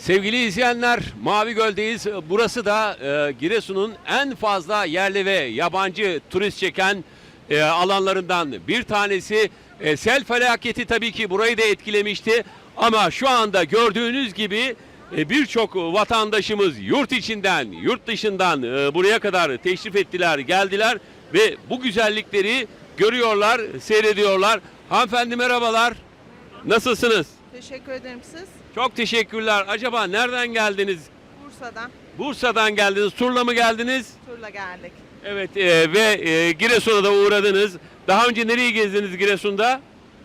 Sevgili izleyenler, Mavi Göl'deyiz. Burası da Giresun'un en fazla yerli ve yabancı turist çeken alanlarından bir tanesi. Sel felaketi tabii ki burayı da etkilemişti. Ama şu anda gördüğünüz gibi birçok vatandaşımız yurt içinden, yurt dışından buraya kadar teşrif ettiler, geldiler ve bu güzellikleri görüyorlar, seyrediyorlar. Hanımefendi merhabalar. Nasılsınız? Teşekkür ederim siz. Çok teşekkürler. Acaba nereden geldiniz? Bursa'dan Bursa'dan geldiniz. Turla mı geldiniz? turla geldik. Evet ve Giresun'a da uğradınız. Daha önce nereyi gezdiniz Giresun'da?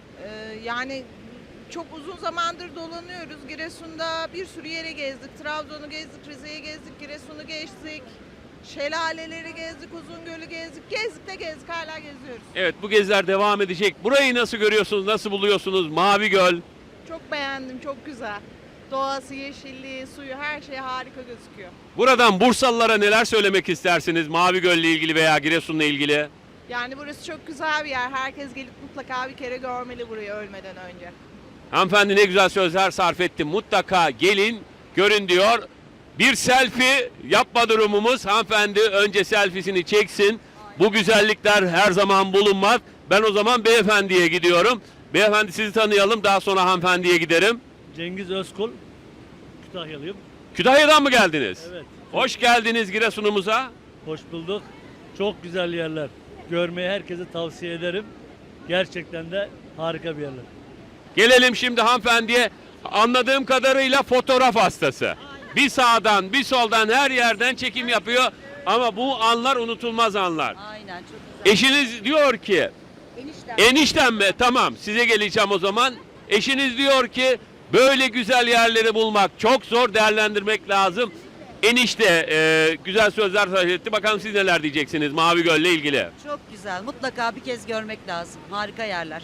Yani çok uzun zamandır dolanıyoruz. Giresun'da bir sürü yere gezdik. Trabzon'u gezdik, Rize'yi gezdik, Giresun'u gezdik. Şelaleleri gezdik, Uzungöl'ü gezdik. Gezdik de gezdik, hala geziyoruz. Evet, bu geziler devam edecek. Burayı nasıl görüyorsunuz? Nasıl buluyorsunuz? Mavi Göl. Çok beğendim, çok güzel. Doğası, yeşilliği, suyu, her şey harika gözüküyor. Buradan Bursalılara neler söylemek istersiniz? Mavi Göl'le ilgili veya Giresun'la ilgili? Yani burası çok güzel bir yer. Herkes gelip mutlaka bir kere görmeli burayı ölmeden önce. Hanımefendi ne güzel sözler sarf etti. Mutlaka gelin, görün diyor. Bir selfie yapma durumumuz. Hanımefendi önce selfiesini çeksin. Bu güzellikler her zaman bulunmaz. Ben o zaman beyefendiye gidiyorum. Beyefendi sizi tanıyalım. Daha sonra hanımefendiye giderim. Cengiz Özkul, Kütahyalıyım. Kütahya'dan mı geldiniz? Evet, Hoş geldiniz Giresun'umuza. hoş bulduk. Çok güzel yerler. Görmeyi herkese tavsiye ederim. Gerçekten de harika bir yerler. Gelelim şimdi hanımefendiye. Anladığım kadarıyla fotoğraf hastası. Bir sağdan bir soldan her yerden çekim yapıyor. Ama bu anlar unutulmaz anlar. Aynen çok güzel. Eşiniz diyor ki, eniştem mi? Tamam, size geleceğim o zaman. Eşiniz diyor ki böyle güzel yerleri bulmak çok zor, değerlendirmek lazım. Enişte güzel sözler sarf etti. Bakalım siz neler diyeceksiniz Mavi Göl'le ilgili. Çok güzel. Mutlaka bir kez görmek lazım. Harika yerler.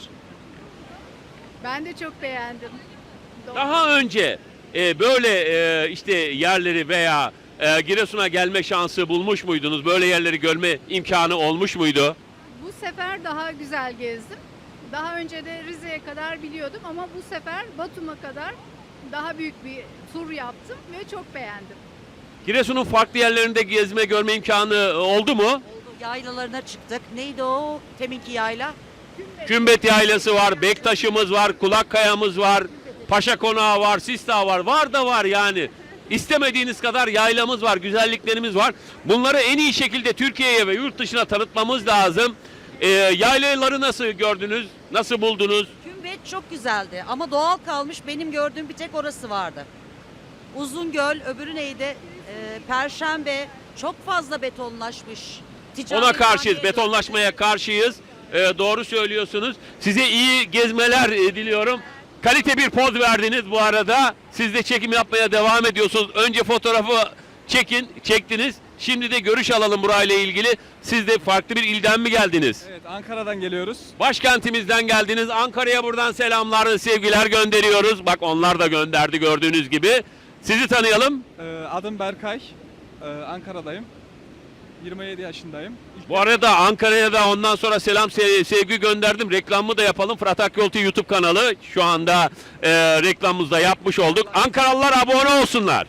Ben de çok beğendim. Daha önce böyle işte yerleri veya Giresun'a gelme şansı bulmuş muydunuz? Böyle yerleri görme imkanı olmuş muydu? Bu sefer daha güzel gezdim. Daha önce de Rize'ye kadar biliyordum ama bu sefer Batum'a kadar daha büyük bir tur yaptım ve çok beğendim. Giresun'un farklı yerlerinde gezme, görme imkanı oldu mu? Oldu. Yaylalarına çıktık. Neydi o? Teminki yayla. Kümbet Yaylası var, Bektaş'ımız var, Kulakkaya'mız var, Paşa Konağı var, Sistağ var. Var da var yani. İstemediğiniz kadar yaylamız var, güzelliklerimiz var. Bunları en iyi şekilde Türkiye'ye ve yurt dışına tanıtmamız lazım. Yaylaları nasıl gördünüz, nasıl buldunuz? Kümbet çok güzeldi ama doğal kalmış. Benim gördüğüm bir tek orası vardı. Uzungöl, öbürü neydi? Perşembe çok fazla betonlaşmış. Ona karşıyız, haneye betonlaşmaya karşıyız. Doğru söylüyorsunuz. Size iyi gezmeler diliyorum. Kalite bir poz verdiniz bu arada. Siz de çekim yapmaya devam ediyorsunuz. Önce fotoğrafı çektiniz. Şimdi de görüş alalım burayla ilgili. Siz de farklı bir ilden mi geldiniz? Evet, Ankara'dan geliyoruz. Başkentimizden geldiniz. Ankara'ya buradan selamlar, sevgiler gönderiyoruz. Bak onlar da gönderdi gördüğünüz gibi. Sizi tanıyalım. Adım Berkay. Ankara'dayım. 27 yaşındayım. Bu arada Ankara'ya da ondan sonra selam sevgi gönderdim. Reklamımı da yapalım. Fırat Akyol TV YouTube kanalı. Şu anda reklamımızı da yapmış olduk. Ankaralılar abone olsunlar.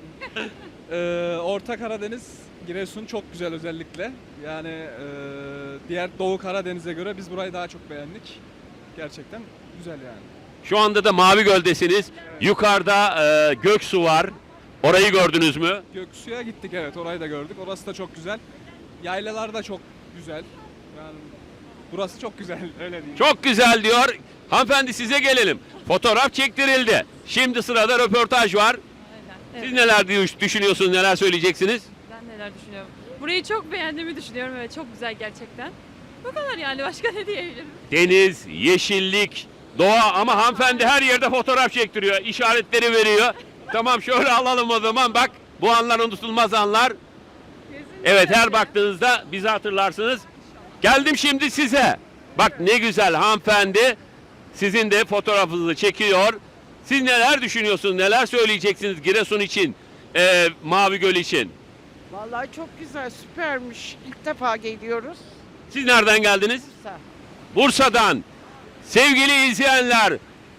Orta Karadeniz, Giresun çok güzel özellikle. Yani diğer Doğu Karadeniz'e göre biz burayı daha çok beğendik. Gerçekten güzel yani. Şu anda da Mavi Göl'desiniz. Yukarıda Göksu var. Orayı gördünüz mü? Göksu'ya gittik, evet, orayı da gördük. Orası da çok güzel. Yaylalar da çok güzel. Yani burası çok güzel, öyle diyeyim. Çok güzel diyor. Hanımefendi size gelelim. Fotoğraf çektirildi. Şimdi sırada röportaj var. Siz neler düşünüyorsunuz, neler söyleyeceksiniz? Ben neler düşünüyorum? Burayı çok beğendiğimi düşünüyorum. Evet, çok güzel gerçekten. Bu kadar yani, başka ne diyebilirim? Deniz, yeşillik, doğa ama hanımefendi her yerde fotoğraf çektiriyor. İşaretleri veriyor. Tamam şöyle alalım o zaman. Bak bu anlar unutulmaz anlar. Evet her baktığınızda bizi hatırlarsınız. Geldim şimdi size. Bak ne güzel hanımefendi sizin de fotoğrafınızı çekiyor. Siz neler düşünüyorsunuz? Neler söyleyeceksiniz Giresun için, Mavi Göl için? Vallahi çok güzel, süpermiş. İlk defa geliyoruz. Siz nereden geldiniz? Bursa. Bursa'dan. Sevgili izleyenler,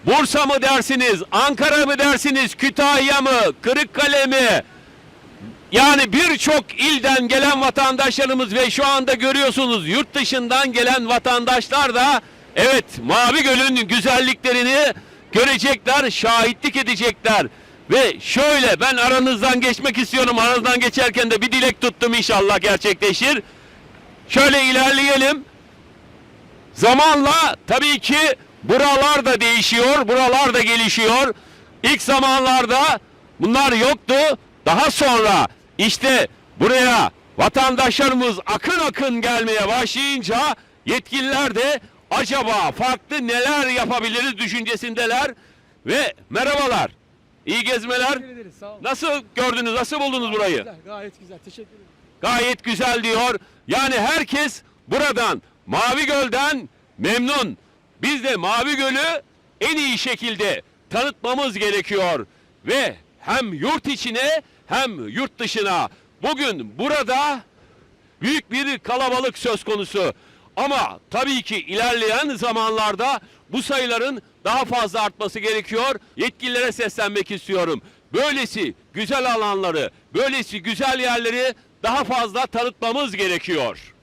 Bursa mı dersiniz, Ankara mı dersiniz, Kütahya mı, Kırıkkale mi? Yani birçok ilden gelen vatandaşlarımız ve şu anda görüyorsunuz yurt dışından gelen vatandaşlar da evet Mavi Göl'ün güzelliklerini görecekler, şahitlik edecekler. Ve şöyle ben aranızdan geçmek istiyorum. Aranızdan geçerken de bir dilek tuttum, inşallah gerçekleşir. Şöyle ilerleyelim. Zamanla tabii ki buralar da değişiyor, buralar da gelişiyor. İlk zamanlarda bunlar yoktu. Daha sonra işte buraya vatandaşlarımız akın akın gelmeye başlayınca yetkililer de acaba farklı neler yapabiliriz düşüncesindeler. Ve merhabalar, iyi gezmeler. Teşekkür ederiz, sağ olun. Nasıl gördünüz, nasıl buldunuz burayı? Güzel, gayet güzel. Teşekkür ederim. Gayet güzel diyor. Yani herkes buradan, Mavi Göl'den memnun. Biz de Mavi Göl'ü en iyi şekilde tanıtmamız gerekiyor. Ve hem yurt içine hem yurt dışına. Bugün burada büyük bir kalabalık söz konusu. Ama tabii ki ilerleyen zamanlarda bu sayıların daha fazla artması gerekiyor. Yetkililere seslenmek istiyorum. Böylesi güzel alanları, böylesi güzel yerleri daha fazla tanıtmamız gerekiyor.